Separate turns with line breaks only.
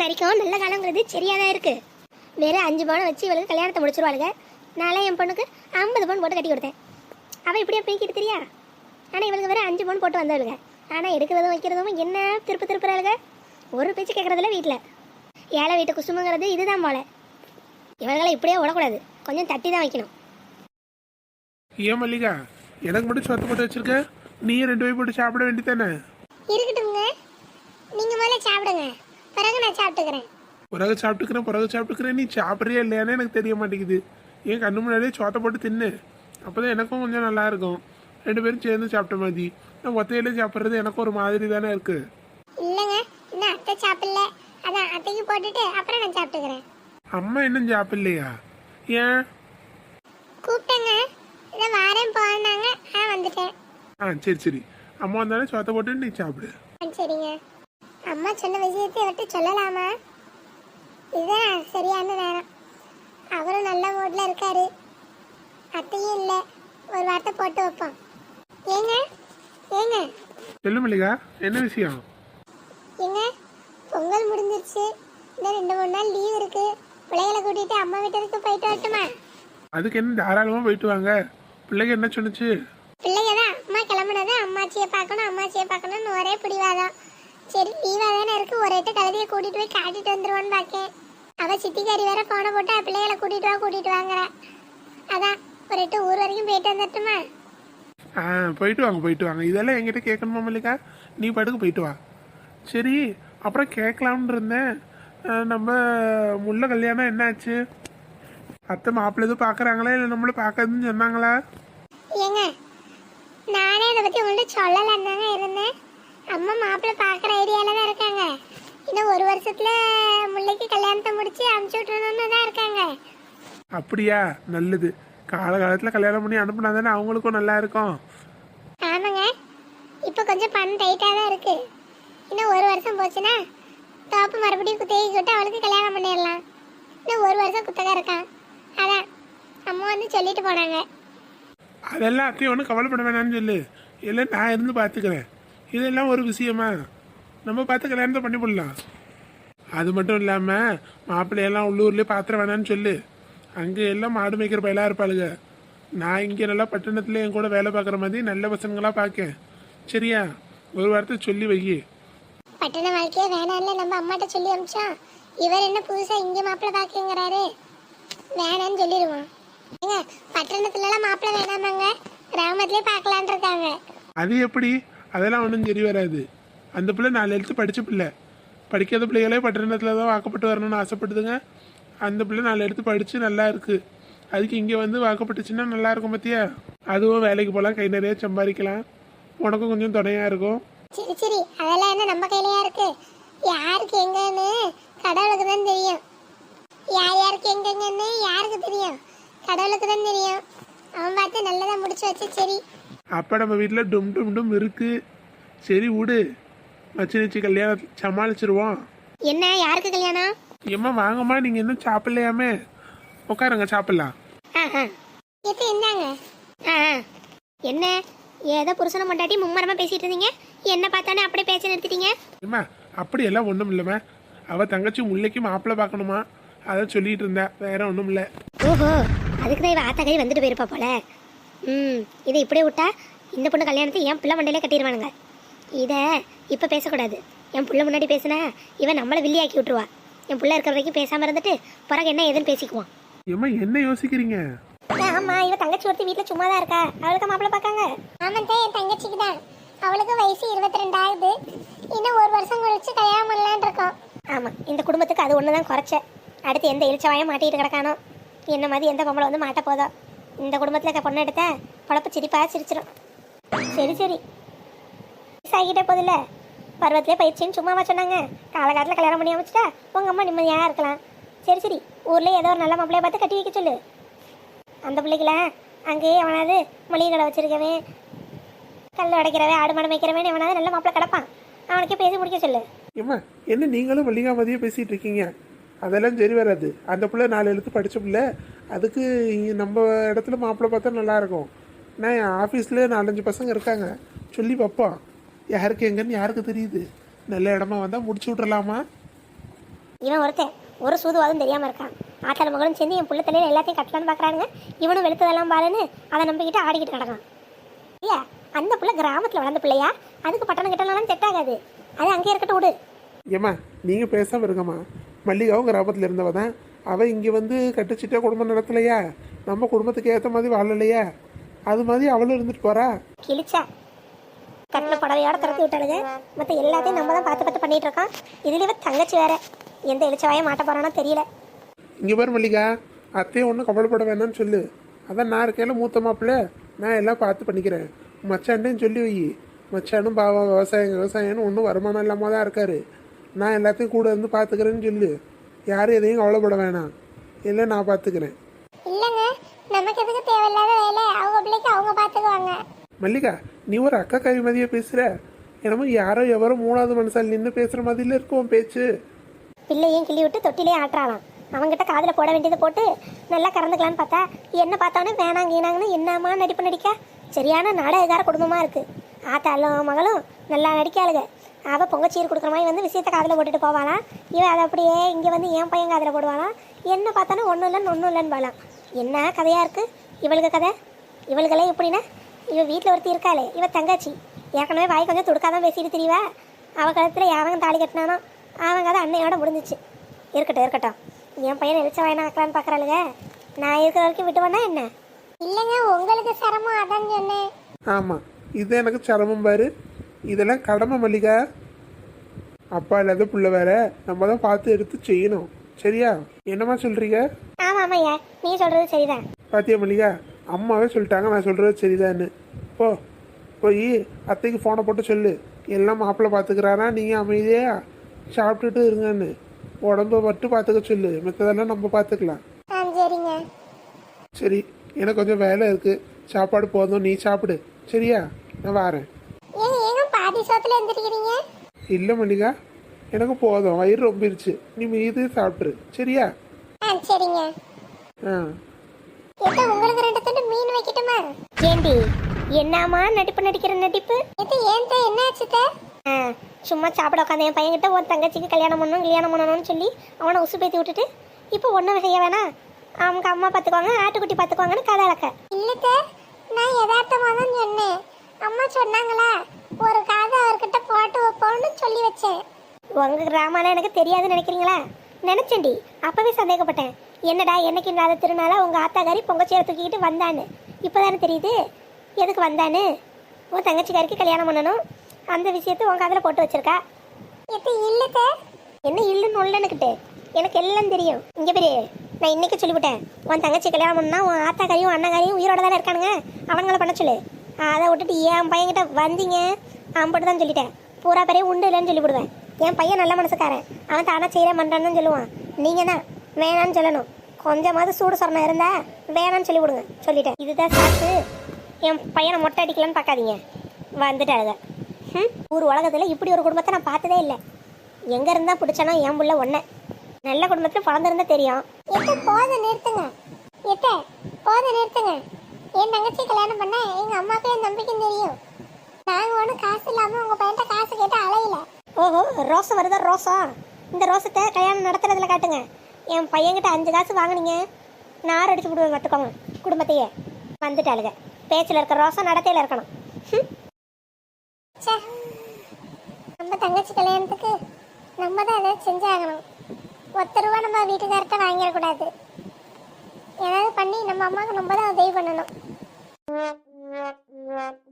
வரைக்கும் நல்ல காலங்கிறது சரியாதான் இருக்கு. வேற 5 பவுன் வச்சு இவளுக்கு கல்யாணத்தை முடிச்சிருவாளுங்க. நாளே என் பொண்ணுக்கு 50 பவுன் போட்டு கட்டி கொடுத்தேன். அவள் இப்படியே போய்க்கிட்டு தெரியா. ஆனால் இவளுக்கு வேற 5 பவுன் போட்டு வந்தவளுங்க. ஆனால் எடுக்கிறதும் வைக்கிறதும் என்ன திருப்புறாளுங்க. ஒரு பேச்சு கேட்கறதில்ல வீட்டில். ஏழை வீட்டு குசுமுங்கிறது இதுதான் போல. இவர்களை இப்படியே விடக்கூடாது, கொஞ்சம் தட்டி தான் வைக்கணும்.
ஏன் மல்லிகா, எனக்கு மட்டும் சொத்து போட்டு வச்சிருக்க? நீ 2 பேர் போட்டு சாப்பிட வேண்டியதானே?
இருக்கட்டுங்க, நீங்க முதல்ல சாப்பிடுங்க, பிறகு நான் சாப்பிட்டுக்கிறேன்.
பிறகு சாப்பிட்டுக்கிறேன். நீ சாப்பிட்றியா இல்லையானே எனக்கு தெரிய மாட்டேங்குது. என் கண்ணு முன்னாடியே சோத்தை போட்டு தின்னு, அப்போதான் எனக்கும் கொஞ்சம் நல்லா இருக்கும். 2 பேரும் சேர்ந்து சாப்பிட்ட மாதிரி. நான் ஒத்தையிலே சாப்பிட்றது எனக்கு ஒரு மாதிரி தானே இருக்கு.
இல்லைங்க, இன்னும் அத்தை சாப்பிடல, அதான் அத்தைக்கு போட்டுட்டு அப்புறம் நான் சாப்பிட்டுக்கிறேன்.
அம்மா இன்னும் சாப்பிடலையா? ஏன்?
கூப்பிட்டேங்க, இதை வாரேன் போனாங்க, வந்துட்டேன்.
சரி, அம்மா வந்தாலும் சோத்தை போட்டு நீ சாப்பிடு.
சரிங்க. அம்மா சொன்ன விஷயத்தை விட்டு சொல்லலாமா? இதுதான் சரியான நேரம். அவரும் நல்ல மூட்ல இருக்காரு, அத்தையும் இல்லை, ஒரு வார்த்தை போட்டு வைப்போம். ஏங்க
சொல்லு மல்லிகா, என்ன விஷயம்?
ஏங்க, பொங்கல் முடிஞ்சிருச்சு, இந்த 2-3 நாள் லீவ் இருக்கு. பிள்ளைகளை கூட்டிட்டு அம்மா வீட்டுக்கு போயிட்டு வரட்டுமா?
அதுக்கு என்ன, தாராளமா போயிட்டு வாங்க. பிள்ளைங்க என்ன சொன்னுச்சு?
பிள்ளைங்க தான் அம்மா கிளம்புனது அம்மாச்சியை பார்க்கணும்னு ஒரே பிடிவாதான். சரி, லீவா தானே இருக்கு, ஒரு எட்டு கழுதியை கூட்டிட்டு போய் காட்டிட்டு வந்துருவான்னு பாக்கேன். அவ சித்திக்காரி வேற போன போட்டு பிள்ளைகளை கூட்டிட்டு வாங்குற. அதான் ஒரு எட்டு ஊர் வரைக்கும் போயிட்டு வந்துட்டுமா?
போயிட்டு வாங்க. இதெல்லாம் என்கிட்ட கேட்கணுமா மல்லிகா? நீ பாட்டுக்கு போயிட்டு வா. சரி, அப்புறம் கேட்கலாம்னு இருந்தேன். நம்ம முல்லை கல்யாணம் என்னாச்சு? அத்தை மாப்பிள்ளை எதுவும் பார்க்குறாங்களா, இல்லை நம்மள பார்க்காதுன்னு சொன்னாங்களா?
ஏங்க, நானே இதை பற்றி உங்கள்கிட்ட சொல்லலான்னு தாங்க இருந்தேன். அம்மா மாப்பிள்ளை பார்க்குற ஐடியாவில் தான் இருக்காங்க. இன்னும் ஒரு வருஷத்துல முல்லைக்கு கல்யாணத்தை முடிச்சு அனுப்பிச்சு விட்டுறணும்னு தான் இருக்காங்க.
அப்படியா? நல்லது. காலகாலத்தில் கல்யாணம் பண்ணி அனுப்புனா தானே அவங்களுக்கும் நல்லா இருக்கும்.
ஆமாங்க, இப்போ கொஞ்சம் பணம் டைட்டாக தான் இருக்கு. இன்னும் ஒரு வருஷம் போச்சுன்னா தோப்பு மறுபடியும் குத்தகை விட்டு அவளுக்கு கல்யாணம் பண்ணிடலாம். இன்னும் ஒரு வருஷம் குத்தகை இருக்கான். அதான் அம்மா வந்து சொல்லிட்டு போனாங்க.
அதெல்லாம் அத்தையும் ஒன்றும் கவலைப்பட வேணாம்னு சொல்லு. இல்லை, நான் இருந்து பார்த்துக்கிறேன். இதெல்லாம் ஒரு விஷயமா? நம்ம பார்த்து கல்யாணத்தை பண்ணி போடலாம். அது மட்டும் இல்லாமல் மாப்பிள்ளையெல்லாம் உள்ளூர்லேயே பாத்திர வேணான்னு சொல்லு. அங்கே எல்லாம் மாடு மேய்க்கிற பயிலாக இருப்பாளுங்க. நான் இங்கே நல்லா பட்டணத்தில் என் கூட வேலை பார்க்குற மாதிரி நல்ல பசங்களாக பார்க்கேன். சரியா? ஒரு வாரத்தை சொல்லி வை.
பட்டண வாழ்க்கையே வேணாம்ல நம்ம அம்மாட்ட சொல்லி அமிச்சா, இவர் என்ன புதுசாக இங்கே மாப்பிள்ளை பார்க்குங்கிறாரு, வேணான்னு சொல்லிடுவோம். ஏங்க, பட்டணத்துலலாம் மாப்பிள்ளை வேணாமாங்க, கிராமத்துலேயே பார்க்கலான் இருக்காங்க.
அது எப்படி? அதெல்லாம் ஒன்றும் சரி வராது. அந்த பிள்ளை 4 எழுத்து படித்த பிள்ளை. படிக்காத பிள்ளைகளே பட்டணத்தில் தான் வாக்கப்பட்டு வரணும்னு ஆசைப்படுதுங்க. அந்த பிள்ளை 4 எழுத்து படித்து நல்லா இருக்குது. அதுக்கு இங்கே வந்து வாக்கப்பட்டுச்சுன்னா நல்லா இருக்கும் பார்த்தியா? அதுவும் வேலைக்கு போகலாம், கை நிறைய சம்பாதிக்கலாம், உனக்கும் கொஞ்சம் துணையாக இருக்கும்.
சரி, அதெல்லாம் என்ன நம்ம கையிலையா இருக்கு? யாருக்கு எங்கன்னு கடவுளுக்கு தான் தெரியும். யாருக்கு எங்கன்னு யாருக்கு தெரியும்? கடவுளுக்கு தான் தெரியும். அவன் பார்த்து நல்லதா முடிச்சு வச்சு. சரி,
அப்போ நம்ம வீட்டில் டும் இருக்கு. சரி விடு, மச்சி கல்யாணம் சமாளிச்சிருவோம்.
என்ன, யாருக்கு கல்யாணம்?
ஏம்மா வாங்கம்மா, நீங்கள் இன்னும் சாப்பிடலையாமே? உட்காருங்க, சாப்பிடலாம்.
என்னங்க என்ன ஏதோ புருஷனை மண்டாட்டி மும்மரமா பேசிட்டு இருந்தீங்க, என்ன பார்த்தானே அப்படியே பேச நிறுத்திட்டீங்க.
ஏம்மா, அப்படியெல்லாம் ஒன்றும் இல்லைம்மா. அவள் தங்கச்சி முல்லைக்கு மாப்பிள்ளை பார்க்கணுமா, அதை சொல்லிட்டு இருந்தா, வேற ஒன்றும் இல்லை.
ஓஹோ, அதுக்கு தான் இவ ஆத்தாக்கறி வந்துட்டு போயிருப்பா போல. இதை இப்படியே விட்டா இந்த பொண்ணு கல்யாணத்தை என் பிள்ளை மண்டையிலே கட்டிடுவானுங்க. இதை இப்போ பேசக்கூடாது. என் பிள்ளை முன்னாடி பேசினா இவன் நம்மளை வில்லியாக்கி விட்டுருவா. என் பிள்ளை இருக்கிற வரைக்கும் பேசாமல் இருந்துட்டு பிறகு என்ன ஏதுன்னு பேசிக்குவான்.
ஏம்மா, என்ன யோசிக்கிறீங்க?
ஆமா, இவ தங்கச்சி ஒருத்தி வீட்டில் சும்மா தான் இருக்கா, அவளுக்கு மாப்பிள்ளை பார்க்காங்க. ஆமாம், என் தங்கச்சிக்கு தான். அவளுக்கு வயசு 22 ஆகுது. இன்னும் ஒரு வருஷம் கழிச்சு கல்யாணம் பண்ணலான் இருக்கோம். ஆமாம், இந்த குடும்பத்துக்கு அது ஒன்று தான் குறைச்ச. அடுத்து எந்த இழிச்சவாயம் மாட்டிகிட்டு கிடக்கானோ, என்ன மாதிரி எந்த பொம்பளை வந்து மாட்ட போதோ. இந்த குடும்பத்தில் பொண்ணு எடுத்த பொழப்பு சிரிச்சிடும். சரி, சாகிட்டே போதில்ல, பருவத்திலே பயிற்சின்னு சும்மாவா சொன்னாங்க? காலகாலத்தில் கல்யாணம் பண்ணி அமைச்சிட்டா உங்கள் அம்மா நிம்மதியாக இருக்கலாம். சரி, ஊரில் ஏதோ ஒரு நல்ல மாப்பிள்ளையை பார்த்து கட்டி வைக்க சொல்லு. அந்த பிள்ளைக்கெல்லாம் அங்கேயே எவனாவது மளிகை கடை வச்சிருக்கவன், கல் உடைக்கிறவன், ஆடு மாடு மேய்க்கிறவன் எவனாவது நல்ல மாப்பிள்ளை கிடப்பான், அவனுக்கே பேசி முடிக்க சொல்லு.
ஏம்மா, என்ன நீங்களும் மல்லிகா மதியம் பேசிகிட்டு இருக்கீங்க? அதெல்லாம் சரி வராது. அந்த பிள்ளை 4 எழுத்து படித்த பிள்ளை, அதுக்கு நம்ம இடத்துல மாப்பிள்ளை பார்த்தா நல்லாயிருக்கும். நான் என் ஆஃபீஸில் 4-5 பசங்க இருக்காங்க, சொல்லி பார்ப்போம். யாருக்கு எங்கன்னு யாருக்கு தெரியுது? நல்ல இடமா வந்தால் முடிச்சு விட்றலாமா?
இவன் ஒருத்தன் ஒரு சூதுவாதும் தெரியாம இருக்கான். ஆத்தாள் மகளும் சேர்ந்து என் புள்ள தலையில எல்லாத்தையும் கட்டலான்னு பாக்குறானுங்க. இவனும் வெளுத்ததெல்லாம் பாருன்னு அதை நம்பிக்கிட்டு ஆடிக்கிட்டு கிடக்கான். ஐயா, அந்த புள்ள கிராமத்துல வளர்ந்த பிள்ளையா, அதுக்கு பட்டணம் கிட்டலாம் செட் ஆகாது. அது அங்கே இருக்கட்டும் விடு.
ஏம்மா நீங்கள் பேசாமல் இருக்கம்மா. மல்லிகாவும் கிராமத்தில் இருந்தவ தான். அவள் இங்கே வந்து கட்டுச்சிட்டா குடும்பம் நடத்தலையா, நம்ம குடும்பத்துக்கு ஏற்ற மாதிரி வாழலையா, அது மாதிரி அவளும் இருந்துட்டு போறா.
கிழிச்சா கட்டின புடவையோட திறத்தி விட்டாளுங்க. மற்ற எல்லாத்தையும் நம்ம தான் பார்த்து பண்ணிட்டு இருக்கோம். இதுல தங்கச்சி வேற எந்த எழுச்சவாயே மாட்ட போறானோ தெரியல.
இங்கே பாரு மல்லிகா, அத்தையும் ஒன்றும் கவலைப்பட வேணாம்னு சொல்லு. அதான் நான் இருக்கையில மூத்த மாப்பிள்ள, நான் எல்லாம் பார்த்து பண்ணிக்கிறேன். மச்சான்டையும் சொல்லி வை. மச்சானும் பாவம் விவசாயம்னு ஒன்றும் வருமானம் இல்லாமல் தான் இருக்காரு. நான் எல்லாத்தையும் கூட இருந்து பார்த்துக்கிறேன்னு சொல்லு. யாரும் எதையும் கவலைப்பட வேணாம், இல்லை நான் பார்த்துக்கிறேன்.
இல்லைங்க, நமக்கு எதுக்கு தேவையில்லாத வேலை, அவங்க பிள்ளைக்கு அவங்க பார்த்துக்குவாங்க.
மல்லிகா, நீ ஒரு அக்கா கவி மதிய பேசுற. என்னமோ யாரோ எவரோ மூணாவது மனுஷால் நின்று பேசுற மாதிரில இருக்கும் பேச்சு.
பிள்ளையும் கிள்ளி விட்டு தொட்டிலே ஆட்டுறாளாம். அவங்ககிட்ட காதில் போட வேண்டியதை போட்டு நல்லா கறந்துக்கலான்னு பார்த்தா என்ன பார்த்தானே வேணாங்கன்னு என்னம்மா நடிப்பு நடிக்க. சரியான நாடகக்கார குடும்பமாக இருக்கு. ஆத்தாலும் மகளும் நல்லா நடிக்காளுங்க. அவள் பொங்கச்சீர் கொடுக்குற மாதிரி வந்து விஷயத்தை காதில் போட்டுட்டு போவாளாம். இவன் அதை அப்படியே இங்கே வந்து என் பையன் காதில் போடுவாளாம். என்ன பார்த்தாலும் ஒன்றும் இல்லைன்னு பாலாம். என்ன கதையாக இருக்குது இவளுக்கு கதை. இவளுகளே எப்படின்னா, இவள் வீட்டில் ஒருத்தி இருக்காளே, இவள் தங்கச்சி ஏற்கனவே வாய் கொஞ்சம் துடுக்காதான் பேசிட்டு தெரியவா. அவள் கழுத்தில் யாவங்க தாலி கட்டினானோ அவங்க கதை அன்னையோட முடிஞ்சிச்சு. இருக்கட்டும், என் பையனை எழுச்ச வாயினா ஆக்கலான்னு பார்க்குறாளுங்க. நான் இருக்கிற வரைக்கும் விட்டுவேன்னா என்ன? இல்லைங்க, உங்களுக்கு சிரமம் அதான் சொன்னேன்.
ஆமாம், இது எனக்கு சிரமம் பாரு. இதெல்லாம் கடமை மல்லிகா. அப்பா இல்லாத புள்ள வேற, நம்ம தான் பார்த்து எடுத்து செய்யணும். சரியா? என்னம்மா சொல்றீங்க?
ஆமாம்யா, நீ சொல்றது சரிதான்.
பாத்தியா மல்லிகா, அம்மாவே சொல்லிட்டாங்க நான் சொல்றது சரிதான்னு. போய் அத்தைக்கு ஃபோனை போட்டு சொல்லு, எல்லாம் மாப்பிள்ளை பார்த்துக்கிறாரா, நீங்கள் அமைதியா சாப்பிட்டுட்டு இருங்கன்னு. உடம்ப மட்டும் பார்த்துக்க சொல்லு, மற்றதெல்லாம் நம்ம பார்த்துக்கலாம்.
சரிங்க.
சரி, எனக்கு கொஞ்சம் வேலை இருக்கு, சாப்பாடு போதும், நீ சாப்பிடு. சரியா? நான் வரேன்.
பாதி சோத்துல எந்திரிக்கிறீங்க?
இல்லை மல்லிகா, எனக்கு போதும், வயிறு ரொம்பிருச்சு. நீ மீது சாப்பிட்ரு. சரியா?
சரிங்க. உங்களுக்கு 2 துண்டு மீன் வைக்கட்டுமா? ஏண்டி என்னமா நடிப்பு நடிக்கிற நடிப்பு? ஏன் என்னாச்சு? சும்மா சாப்பிட உட்காந்து என் பையன்கிட்ட உன் தங்கச்சிக்கு கல்யாணம் பண்ணணும்னு சொல்லி அவனை உசு பேத்தி விட்டுட்டு இப்போ ஒன்றும் செய்ய வேணாம், அவங்க அம்மா பார்த்துக்குவாங்க, ஆட்டுக்குட்டி பார்த்துக்குவாங்கன்னு கதை அளக்க. இல்ல, நான் யதார்த்தமாக தான் சொன்னேன். அம்மா சொன்னாங்களா ஒரு காதை அவர்கிட்ட போட்டு வைப்போம்னு சொல்லி வச்சேன். உங்க கிராமம்லாம் எனக்கு தெரியாதுன்னு நினைக்கிறீங்களா? நினைச்சேன்டி, அப்பவே சந்தேகப்பட்டேன். என்னடா என்னைக்கு இல்லாத திருநாளா உங்க ஆத்தாக்காரி பொங்கச்சேரை தூக்கிக்கிட்டு வந்தான்னு. இப்போதானே தெரியுது எதுக்கு வந்தான்னு. உன் தங்கச்சிக்காரிக்கு கல்யாணம் பண்ணணும், அந்த விஷயத்த உன் காதில் போட்டு வச்சிருக்கா. இல்ல என்ன இல்லைன்னு உள்ளனுக்கிட்டு எனக்கு எல்லாம் தெரியும். இங்கே பெரிய நான் இன்னைக்கு சொல்லிவிட்டேன், உன் தங்கச்சி கல்யாணம் பண்ணா உன் ஆத்தாக்காரியும் அண்ணாக்காரியும் உயிரோட தானே இருக்கானுங்க, அவங்கள பண்ண சொல்லு. அதை விட்டுட்டு என் பையன்கிட்ட வந்தீங்க அம்பிட்டு தான் சொல்லிட்டேன். பூரா பேரையும் உண்டு இல்லைன்னு சொல்லிவிடுவேன். என் பையன் நல்ல மனசுக்காரன், அவன் தானே செய்கிறேன் பண்ணுறான்னு சொல்லுவான். நீங்கள் தான் வேணான்னு சொல்லணும். கொஞ்சமாவது சூடு சொரணம் இருந்தா வேணான்னு சொல்லி விடுங்க. சொல்லிட்டேன், இதுதான் சாக்கு. என் பையனை மொட்டை அடிக்கலான்னு பார்க்காதீங்க. வந்துட்டாளுங்க. ஊர் உலகத்தில் இப்படி ஒரு குடும்பத்தை நான் பார்த்ததே இல்லை. எங்கே இருந்தால் பிடிச்சானோ என் புள்ள ஒன்றை நல்ல குடும்பத்தில் பிறந்திருந்தா தெரியும். போதும் நிறுத்துங்க, நிறுத்துங்க. என் தங்கச்சி கல்யாணம் பண்ண எங்கள் அம்மாவுக்கு என் நம்பிக்கையும் தெரியும். நாங்கள் ஒன்றும் காசு இல்லாமல் உங்கள் பையன்ட்ட காசு கேட்டு அலையில. ஓஹோ, ரோசம் வருதா? ரோசம், இந்த ரோசத்தை கல்யாணம் நடத்துறதுல காட்டுங்க. என் பையன்கிட்ட 5 காசு வாங்கினீங்க, நார் அடிச்சு விடுவேன் பார்த்துக்கோங்க குடும்பத்தையே. வந்துட்டாளுங்க. பேச்சில் இருக்கிற ரோசம் நடத்தையில் இருக்கணும். நம்ம தங்கச்சி கல்யாணத்துக்கு நம்ம தான் ஏதாவது செஞ்சாகணும். 10 ரூபா நம்ம வீட்டுக்கார்ட்ட வாங்கிடக்கூடாது. ஏதாவது பண்ணி நம்ம அம்மாவுக்கு நம்ம தான் உதவி பண்ணணும்.